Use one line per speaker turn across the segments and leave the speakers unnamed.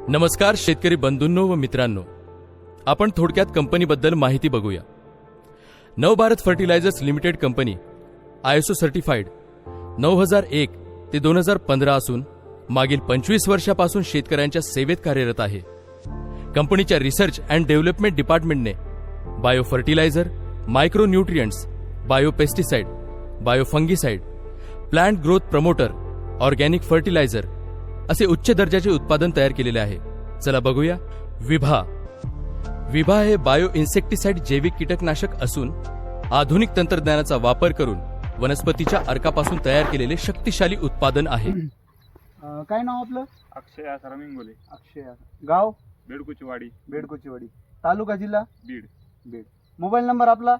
नमस्कार शेतकरी बंधूंनो व मित्रांनो, आपण थोडक्यात कंपनीबद्दल माहिती बघूया. Navbharat fertilisers limited company ISO certified 9001 ते 2015 असून मागील 25 वर्षापासून शेतकऱ्यांच्या सेवेत कार्यरत आहे. कंपनीच्या रिसर्च अँड डेव्हलपमेंट डिपार्टमेंटने bio fertiliser, micro nutrients, bio pesticide, bio fungicide, plant growth promoter, organic fertiliser असे उच्च दर्जाचे उत्पादन तयार केलेले आहे. चला बघूया. विभा हे बायो इन्सेक्टिसाइड जैविक कीटकनाशक असून आधुनिक तंत्रज्ञानाचा वापर करून वनस्पतीच्या अर्कापासून तयार केलेले शक्तिशाली उत्पादन आहे.
काय नाव आपलं?
अक्षय आसाराम इंगोले.
अक्षय. गाव?
बेडकुचीवाडी.
तालुका जिल्हा?
बीड.
मोबाईल नंबर आपला?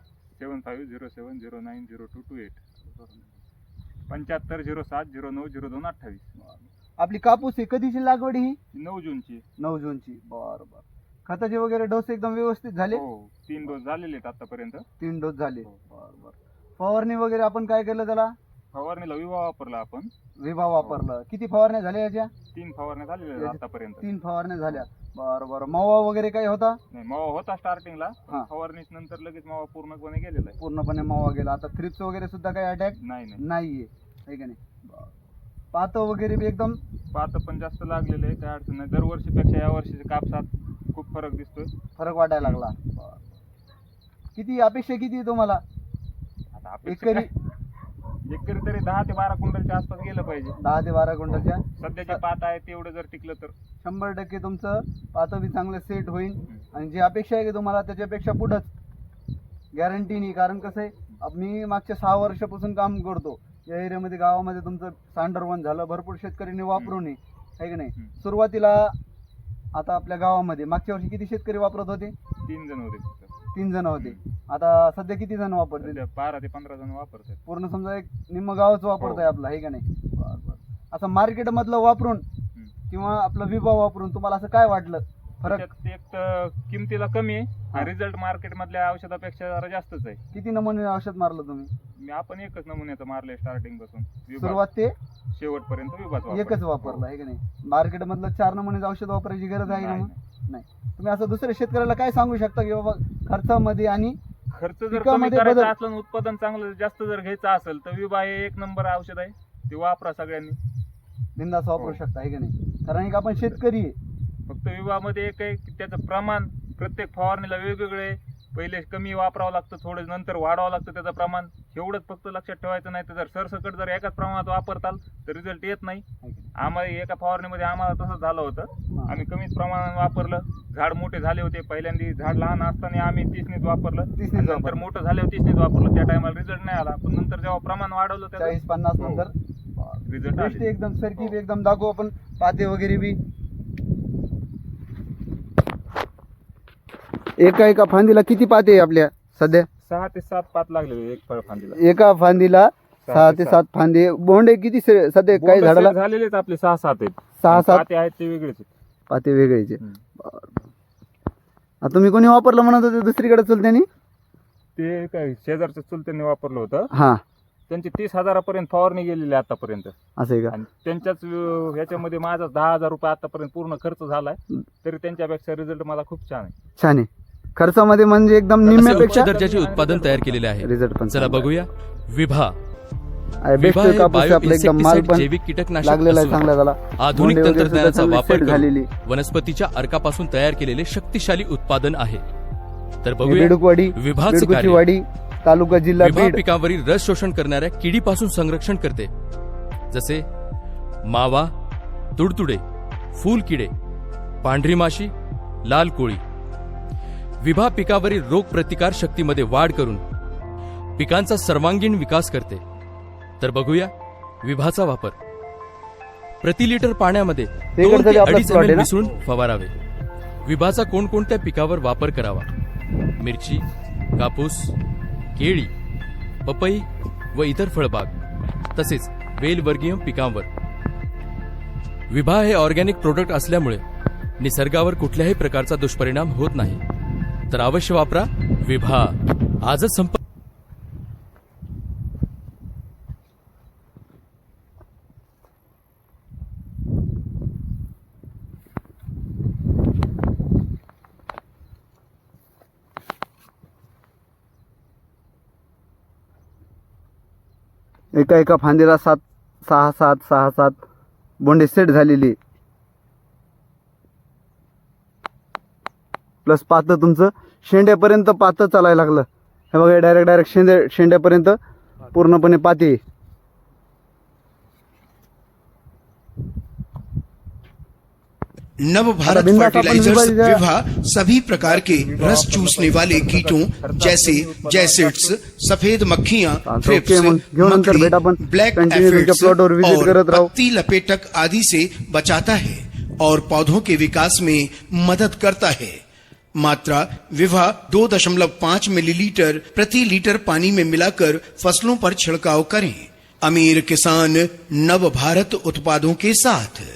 7507090228 7507090228.
आपली कापूस ही कधीची लागवड ही?
9 जूनची.
9 जूनची. बर. खताचे वगैरे डोस एकदम व्यवस्थित झाले?
हो, 3 डोस झालेले आहेत आतापर्यंत.
3 डोस झाले.
हो.
बर. फवारणी वगैरे आपण काय केलं त्याला?
फवारणीला विवा वापरला आपण.
विभा वापरलं. किती फवारण्या झाल्या याच्या?
3 फवारण्या झालेल्या आहेत आतापर्यंत.
3 फवारण्या झाल्या. बर. मावा वगैरे काही होता?
नाही, मावा होता स्टार्टिंगला.
हा.
फवारणीच नंतर लगेच मावा पूर्णपणे गेलेला आहे.
पूर्णपणे मावा गेला. आता थ्रिप्स वगैरे सुद्धा काही अटॅक नाहीये, आहे का नाही? पात वगैरे बी एकदम
पात पण जास्त लागलेले आहे, काय अडचण नाही. दरवर्षीपेक्षा या वर्षीच्या कापसात खूप फरक दिसतोय.
फरक वाटायला लागला. किती अपेक्षा किती आहे तुम्हाला?
आता एकरी तरी 10 ते 12 क्विंटलच्या आसपास गेलं पाहिजे.
10 ते 12 क्विंटलच्या
सध्याचे पात आहे तेवढं जर टिकलं तर
100% तुमचं पात बी चांगलं सेट होईल. आणि जी अपेक्षा आहे की तुम्हाला त्याच्यापेक्षा पुढंच गॅरंटी नाही. कारण कसं आहे, मी मागच्या 6 वर्षापासून काम करतो या एरियामध्ये. गावामध्ये तुमचं सांडरवन झालं, भरपूर शेतकऱ्यांनी वापरून आहे की नाही. सुरुवातीला आता आपल्या गावामध्ये मागच्या वर्षी किती शेतकरी वापरत होते?
3 जण होते फक्त.
3 जण होते. आता सध्या किती जण वापरते?
12 ते 15 जण वापरतात.
पूर्ण समजा एक निम्म गावच वापरतोय आपलं, आहे का नाही? बरं. असं मार्केट मधलं वापरून किंवा आपलं विभा वापरून तुम्हाला असं काय वाटलं फरक?
एक तर किमतीला कमी आहे आणि रिझल्ट मार्केट मधल्या औषधापेक्षा जरा जास्तच आहे.
किती नमुने औषध मारलं तुम्ही?
आपण एकच नमुन्याचं मारलंय स्टार्टिंग पासून
सुरुवात ते
शेवटपर्यंत विभाग
एकच वापरलं, आहे का नाही? मार्केट मधलं 4 नमुने औषध वापरायची गरज आहे ना? नाही. तुम्ही असं दुसऱ्या शेतकऱ्याला काय सांगू शकता की बाबा खर्चामध्ये आणि
खर्च जर कमी करायचा असलं, उत्पादन चांगलं जास्त जर घ्यायचं असेल तर विभा हे एक नंबर औषध आहे. ते वापरा सगळ्यांनी,
बिनधास्त वापरू शकता, आहे का नाही? कारण एक आपण शेतकरी आहे.
फक्त विभागामध्ये एक आहे की त्याचं प्रमाण प्रत्येक फवारणीला वेगवेगळे. पहिले कमी वापरावं लागतं, थोडं नंतर वाढवावं लागतं त्याचं प्रमाण. एवढंच फक्त लक्षात ठेवायचं. नाही तर जर सरसकट जर एकाच प्रमाणात वापरताल तर रिझल्ट येत नाही. आम्हाला एका फवारणीमध्ये आम्हाला तसंच झालं होतं. आम्ही कमीच प्रमाणात वापरलं. झाड मोठे झाले होते. पहिल्यांदा झाड लहान असताना आम्ही 30नीच वापरलं. नंतर मोठं झाल्यावर 30नीच वापरलं. त्या टायमाला रिझल्ट नाही आला. पण नंतर जेव्हा प्रमाण वाढवलं
40-50 नंतर
रिझल्ट
एकदम सरकी एकदम दाखवू आपण. पाते वगैरे बी एका फांदीला किती पाते आहे आपल्या सध्या?
6 ते 7 पात लागलेले एक फळ फांदीला.
एका फांदीला 6 ते 7 फांदे. बोंडे किती सध्या काही झाडाला?
झालेलेच आपले 6-7 आहेत.
6-7
पाते आहेत ते वेगळेच आहेत.
पाते वेगळेचे. तुम्ही कोणी वापरलं म्हणत होते दुसरीकडे चुलत्यांनी?
ते काय शेजारच्या चुलत्यांनी वापरलं होतं.
हा.
त्यांची 30,000 फवारणी गेलेली आता-पर्यंत.
असं आहे का?
आणि त्यांच्याच ह्याच्यामध्ये माझा 10,000 रुपये आतापर्यंत पूर्ण खर्च झालाय. तरी त्यांच्यापेक्षा रिझल्ट मला खूप छान आहे.
छान आहे. खर्चामध्ये म्हणजे एकदम निम्म्यापेक्षा
उच्च दर्जाचे उत्पादन तयार केलेले आहे.
रिझल्ट पण
चला बघूया. विभा
बेस्ट कापूस आपलं एकदम माल पण
जैविक कीटकनाशक
लागलेला आहे चांगला त्याला.
आधुनिक तंत्रज्ञानाचा वापर
झालेली
करून वनस्पतीच्या अर्कापासून तयार केलेले शक्तिशाली उत्पादन आहे. तर बघूया
बेडकुवाडी,
विभाचं कार्य.
बेडकुचीवाडी, तालुका जिल्हा
विभा
बीड.
पिकावरील रस शोषण करणाऱ्या किडीपासून संरक्षण करते. जसे मावा, तुडतुडे, फूल किडे, पांढरी माशी, लाल कोळी. विभा पिकावरील रोग प्रतिकार शक्तीमध्ये वाढ करून पिकांचा सर्वांगीण विकास करते. तर बघूया विभाचा वापर. प्रति लिटर पाण्यामध्ये 2 ते 2.5 ml मिसळून फवारावे. विभाचा कोणकोणत्या पिकावर वापर करावा? मिरची, कापूस, केळी, पपई व इतर फळबाग तसेच वेलवर्गीय पिकांवर. विभा हे ऑर्गॅनिक प्रोडक्ट असल्यामुळे निसर्गावर कुठल्याही प्रकारचा दुष्परिणाम होत नाही. तर अवश्य वापरा विभा. आजच संपर्क
एका एका फांदीला 6-7 बोंडे सेट झालेली, प्लस पातं तुमचं शेंड्यापर्यंत पातं चालायला लागलं. हे बघा डायरेक्ट शेंड्यापर्यंत पूर्णपणे पाती.
नव भारत
आता बिंदास आपण
फर्टिलाइजर्स
विभाजित-
विवाह सभी प्रकार के रस चूसने वाले कीटों जैसे जैसिड्स, सफेद मक्खियां, थ्रिप्स,
ओके, मग घेऊन नंतर भेट आपण
ब्लैक
कंटिन्यू तुमच्या
एफिड्स
प्लॉटवर विजिट
और
करत राहू.
पत्ती लपेटक आदि से बचाता है और पौधों के विकास में मदद करता है. मात्रा विवाह 2.5 मिलीलीटर प्रति लीटर पानी में मिलाकर फसलों पर छिड़काव करें. अमीर किसान नव भारत उत्पादों के साथ.